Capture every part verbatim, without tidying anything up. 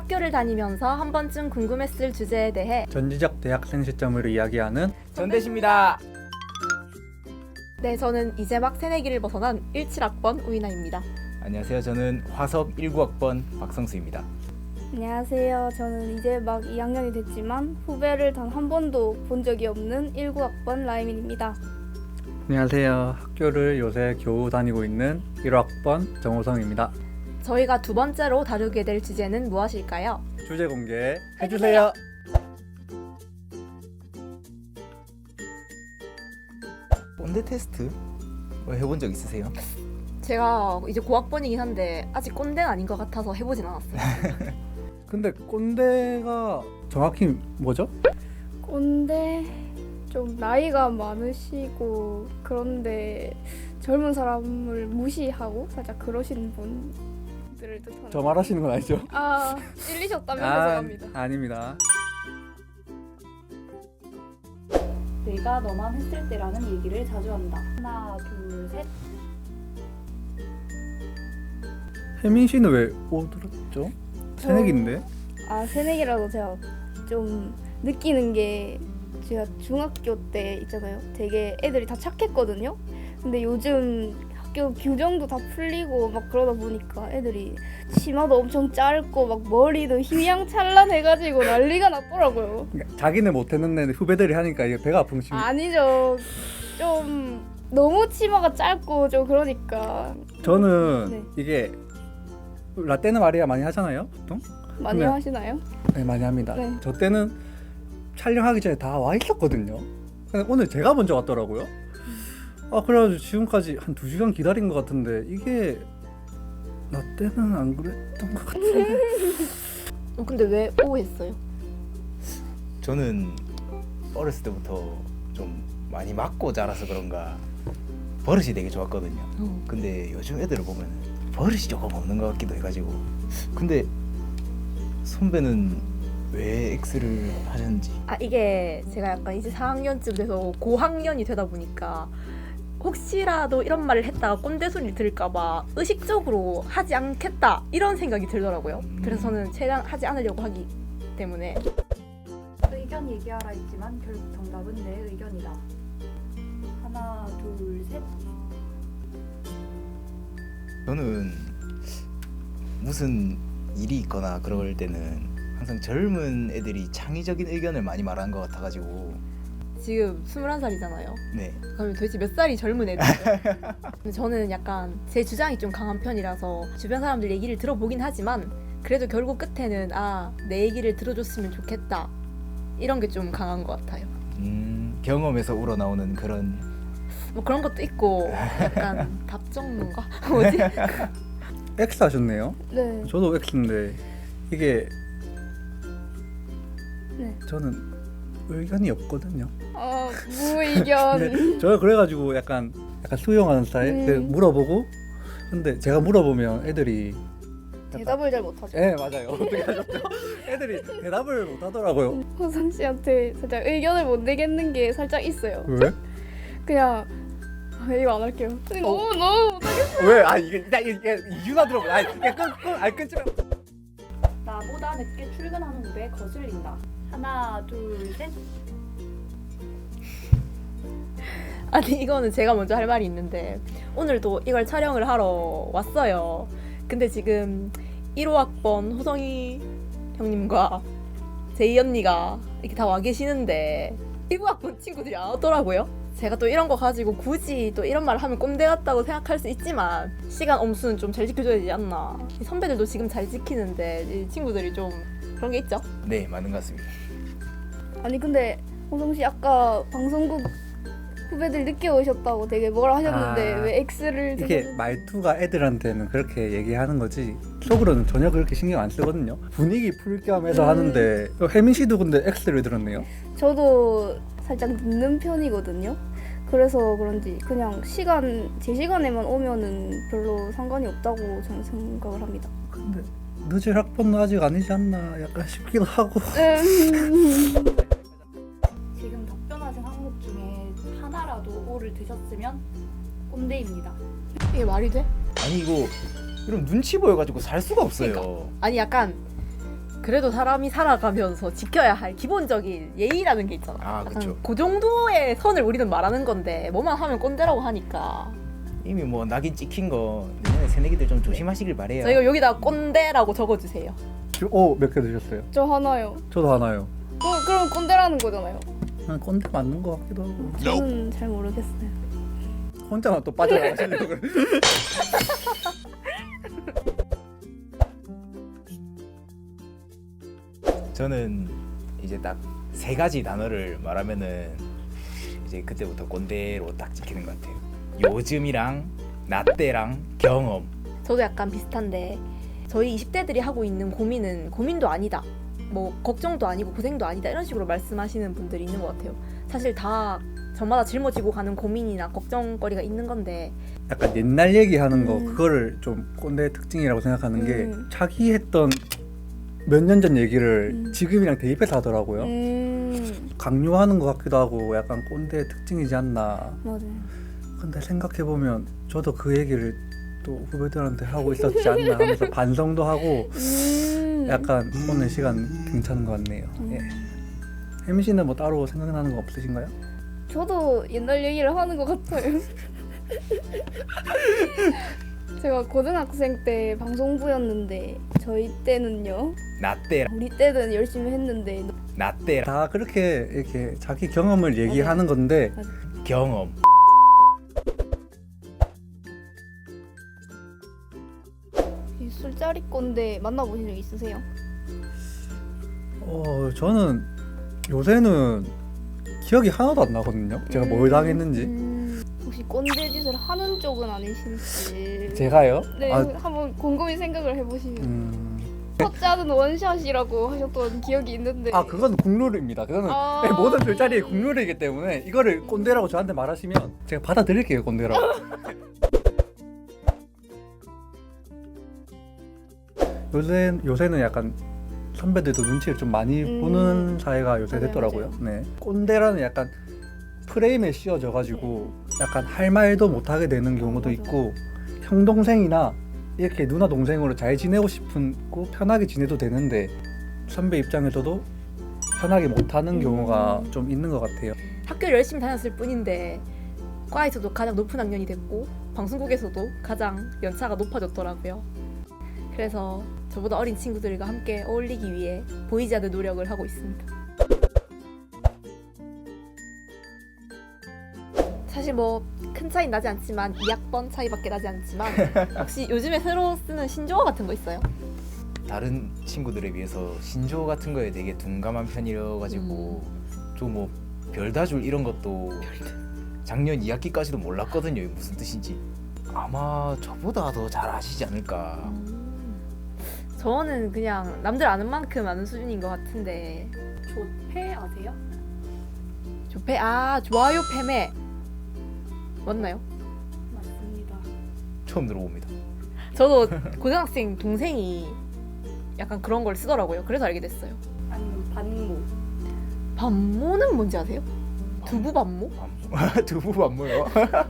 학교를 다니면서 한 번쯤 궁금했을 주제에 대해 전지적 대학생 시점으로 이야기하는 전대식입니다. 네, 저는 이제 막 새내기를 벗어난 십칠 학번 우이나입니다. 안녕하세요. 저는 화석 십구 학번 박성수입니다. 안녕하세요. 저는 이제 막 이 학년이 됐지만 후배를 단 한 번도 본 적이 없는 십구 학번 라이민입니다. 안녕하세요. 학교를 요새 겨우 다니고 있는 일 학번 정호성입니다. 저희가 두 번째로 다루게 될 주제는 무엇일까요? 주제 공개 해주세요. 꼰대 테스트 뭐 해본 적 있으세요? 제가 이제 고학번이긴 한데 아직 꼰대는 아닌 것 같아서 해보진 않았어요. 근데 꼰대가 정확히 뭐죠? 꼰대 좀 나이가 많으시고 그런데 젊은 사람을 무시하고 살짝 그러시는 분들을 뜻하는. 저 말하시는 건 아니죠? 아 찔리셨다면 아, 죄송합니다. 아닙니다. 내가 너만 했을 때라는 얘기를 자주 한다. 하나, 둘, 셋. 혜민 씨는 왜 오 들었죠? 새내기인데? 아 새내기라도 제가 좀 느끼는 게 제가 중학교 때 있잖아요. 되게 애들이 다 착했거든요. 근데 요즘 학교 규정도 다 풀리고 막 그러다 보니까 애들이 치마도 엄청 짧고 막 머리도 휘황찬란해가지고 난리가 났더라고요. 그러니까 자기는 못했는데 후배들이 하니까 이게 배가 아픈 심. 아니죠. 좀 너무 치마가 짧고 좀 그러니까 저는 네. 이게 라떼는 마리아 많이 하잖아요, 보통? 많이 네. 하시나요? 네, 많이 합니다. 네. 저 때는 촬영하기 전에 다 와 있었거든요. 근데 오늘 제가 먼저 왔더라고요. 아 그래가지고 지금까지 한 두 시간 기다린 것 같은데 이게 나 때는 안 그랬던 것 같은데. 어, 근데 왜 오 했어요? 저는 어렸을 때부터 좀 많이 맞고 자라서 그런가 버릇이 되게 좋았거든요. 어. 근데 요즘 애들을 보면 버릇이 조금 없는 것 같기도 해가지고. 근데 선배는 왜 X를 하셨는지. 아 이게 제가 약간 이제 사 학년쯤 돼서 고학년이 되다 보니까 혹시라도 이런 말을 했다가 꼰대 소리를 들을까봐 의식적으로 하지 않겠다 이런 생각이 들더라고요. 음. 그래서 저는 최대한 하지 않으려고 하기 때문에. 의견 얘기하라 했지만 결국 정답은 내 의견이다. 하나, 둘, 셋. 저는 무슨 일이 있거나 그럴 때는 항상 젊은 애들이 창의적인 의견을 많이 말하는 것 같아가지고. 지금 스물한 살이잖아요. 네. 그러면 도대체 몇 살이 젊은 애들이죠? 근데 저는 약간 제 주장이 좀 강한 편이라서 주변 사람들 얘기를 들어보긴 하지만 그래도 결국 끝에는 아, 내 얘기를 들어줬으면 좋겠다 이런 게 좀 강한 것 같아요. 음, 경험에서 우러나오는 그런. 뭐 그런 것도 있고 약간 답정론가? 뭐지? X 하셨네요. 네. 저도 X인데 이게 네. 저는 의견이 없거든요. 아 무의견. 근데 저 그래가지고 약간 약간 수용하는 스타일. 음. 그 물어보고 근데 제가 물어보면 애들이 대답을 잘 못하죠. 예 맞아요. 어떻게 하셨죠? 애들이 대답을 못 하더라고요. 호성 씨한테 살짝 의견을 못 내겠는 게 살짝 있어요. 왜? 그냥 아, 이거 안 할게요. 근데 너무 너무 못하겠어. 왜? 아 이게 나 이게 이유나 들어봐. 아 이게 끊끊 아니 끊지 마. 나보다 늦게 출근하는 후배 거슬린다. 하나, 둘, 셋. 아니 이거는 제가 먼저 할 말이 있는데 오늘도 이걸 촬영을 하러 왔어요. 근데 지금 일 호 학번 호성이 형님과 제이 언니가 이렇게 다 와 계시는데 일 호 학번 친구들이 안 오더라고요. 제가 또 이런 거 가지고 굳이 또 이런 말을 하면 꼰대 같다고 생각할 수 있지만 시간 엄수는 좀 잘 지켜줘야 되지 않나. 이 선배들도 지금 잘 지키는데 이 친구들이 좀 그런 게 있죠. 네, 맞는 것 같습니다. 아니 근데 호성 씨 아까 방송국 후배들 늦게 오셨다고 되게 뭐라 하셨는데 아, 왜 X를 이게 드셨는지. 말투가 애들한테는 그렇게 얘기하는 거지 속으로는 전혀 그렇게 신경 안 쓰거든요. 분위기 풀 겸 해서 음. 하는데 혜민 씨도 근데 X를 들었네요. 저도 살짝 늦는 편이거든요. 그래서 그런지 그냥 시간 제 시간에만 오면은 별로 상관이 없다고 저는 생각을 합니다. 근데 늦을 학번은 아직 아니지 않나 약간 싶기도 하고. 음. 지금 답변하신 항목 중에 하나라도 오를 드셨으면 꼰대입니다. 이게 말이 돼? 아니 이거 이런 눈치 보여가지고 살 수가 없어요. 아니 약간 그래도 사람이 살아가면서 지켜야 할 기본적인 예의라는 게 있잖아. 아, 약간 그쵸. 그 정도의 선을 우리는 말하는 건데 뭐만 하면 꼰대라고 하니까 이미 뭐 낙인 찍힌 거 내년에 새내기들 좀 조심하시길 바래요. 저희가 여기다 꼰대라고 적어주세요. 오몇 개 드셨어요? 저 하나요. 저도 하나요. 어, 그럼 꼰대라는 거잖아요. 난 꼰대 맞는 것 같기도 하고. 저는 잘 모르겠어요. 혼자만 또 빠져나가시려고 그래. 저는 이제 딱 세 가지 단어를 말하면은 이제 그때부터 꼰대로 딱 찍히는 것 같아요. 요즘이랑 나때랑 경험. 저도 약간 비슷한데 저희 이십 대들이 하고 있는 고민은 고민도 아니다. 뭐 걱정도 아니고 고생도 아니다. 이런 식으로 말씀하시는 분들이 있는 것 같아요. 사실 다 저마다 짊어지고 가는 고민이나 걱정거리가 있는 건데 약간 옛날 얘기하는 거 음. 그거를 좀 꼰대의 특징이라고 생각하는 게 음. 자기 했던 몇 년 전 얘기를 음. 지금이랑 대입해서 하더라고요. 음, 강요하는 것 같기도 하고 약간 꼰대의 특징이지 않나. 맞아요. 근데 생각해보면 저도 그 얘기를 또 후배들한테 하고 있었지 않나 하면서 반성도 하고 음. 약간 오늘 시간 괜찮은 것 같네요. 음. 예. 혜미 씨는 뭐 따로 생각나는 거 없으신가요? 저도 옛날 얘기를 하는 것 같아요. 제가 고등학생 때 방송부였는데 저희 때는요. 나때랑 우리 때는 열심히 했는데 나때랑 다 그렇게 이렇게 자기 경험을 얘기하는 건데 경험. 이 술자리 꼰대 만나보신 적 있으세요? 어 저는 요새는 기억이 하나도 안 나거든요. 제가 뭘 당했는지. 음, 혹시 꼰대 짓을 하는 쪽은 아니신지. 제가요? 네, 아, 한번 곰곰이 생각을 해보시면. 음... 첫째는 원샷이라고 하셨던 기억이 있는데. 아 그건 국룰입니다. 그거는 아. 모든 술자리의 국룰이기 때문에 이거를 꼰대라고 저한테 말하시면 제가 받아들일게요. 꼰대라고. 요새 요새는 약간 선배들도 눈치를 좀 많이 음. 보는 사회가 요새 맞아요, 됐더라고요. 네. 꼰대라는 약간 프레임에 씌워져 가지고 약간 할 말도 못 하게 되는 경우도 맞아. 있고 형 동생이나 이렇게 누나 동생으로 잘 지내고 싶고 편하게 지내도 되는데 선배 입장에서도 편하게 못 하는 경우가 음. 좀 있는 것 같아요. 학교를 열심히 다녔을 뿐인데 과에서도 가장 높은 학년이 됐고 방송국에서도 가장 연차가 높아졌더라고요. 그래서 저보다 어린 친구들과 함께 어울리기 위해 보이지 않는 노력을 하고 있습니다. 사실 뭐 큰 차이 나지 않지만 이 학번 차이밖에 나지 않지만 혹시 요즘에 새로 쓰는 신조어 같은 거 있어요? 다른 친구들에 비해서 신조어 같은 거에 되게 둔감한 편이라가지고 좀 뭐 별다줄 이런 것도 작년 이 학기까지도 몰랐거든요. 이게 무슨 뜻인지. 아마 저보다 더 잘 아시지 않을까. 음, 저는 그냥 남들 아는 만큼 아는 수준인 것 같은데 조폐 아세요? 조패 아 좋아요 패매 맞나요? 맞습니다. 처음 들어봅니다. 저도 고등학생 동생이 약간 그런 걸 쓰더라고요. 그래서 알게 됐어요. 아니면 반모. 반모는 뭔지 아세요? 두부 반모? 반모. 두부 반모요?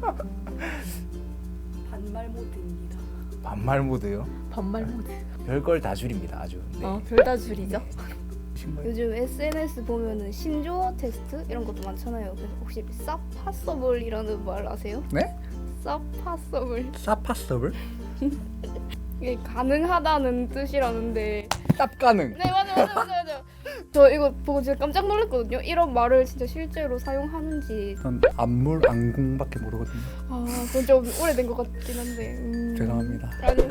반말 모드입니다. 반말 모드요? 반말 모드. 별걸 다 줄입니다. 아주. 네. 어 별다줄이죠. 요즘 에스엔에스 보면은 신조어 테스트 이런 것도 많잖아요. 그래서 혹시 사파서블이라는 말 아세요? 네? 사파서블. 사파서블? 이게 가능하다는 뜻이라는데. 쌉 가능. 네 맞아 맞아 맞아 맞아. 저 이거 보고 진짜 깜짝 놀랐거든요. 이런 말을 진짜 실제로 사용하는지. 전 안물 안궁밖에 모르거든요. 아 그건 좀 오래된 것 같긴 한데. 음. 죄송합니다. 아니.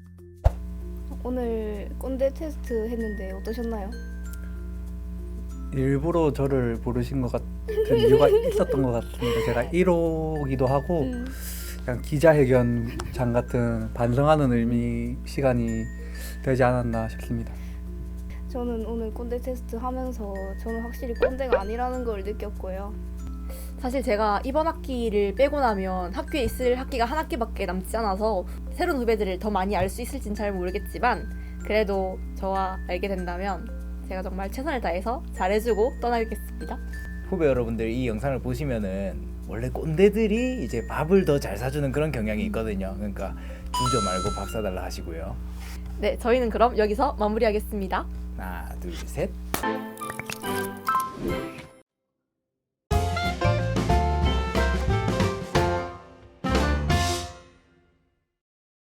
오늘 꼰대 테스트 했는데 어떠셨나요? 일부러 저를 부르신 것 같은 이유가 있었던 것 같습니다. 제가 일 호기도 하고 음. 그냥 기자회견장 같은 반성하는 의미 시간이 되지 않았나 싶습니다. 저는 오늘 꼰대 테스트 하면서 저는 확실히 꼰대가 아니라는 걸 느꼈고요. 사실 제가 이번 학기를 빼고 나면 학교에 있을 학기가 한 학기밖에 남지 않아서 새로운 후배들을 더 많이 알 수 있을진 잘 모르겠지만 그래도 저와 알게 된다면 제가 정말 최선을 다해서 잘해주고 떠나겠습니다. 후배 여러분들 이 영상을 보시면은 원래 꼰대들이 이제 밥을 더 잘 사주는 그런 경향이 있거든요. 그러니까 주저 말고 밥 사달라 하시고요. 네, 저희는 그럼 여기서 마무리하겠습니다. 하나 둘 셋.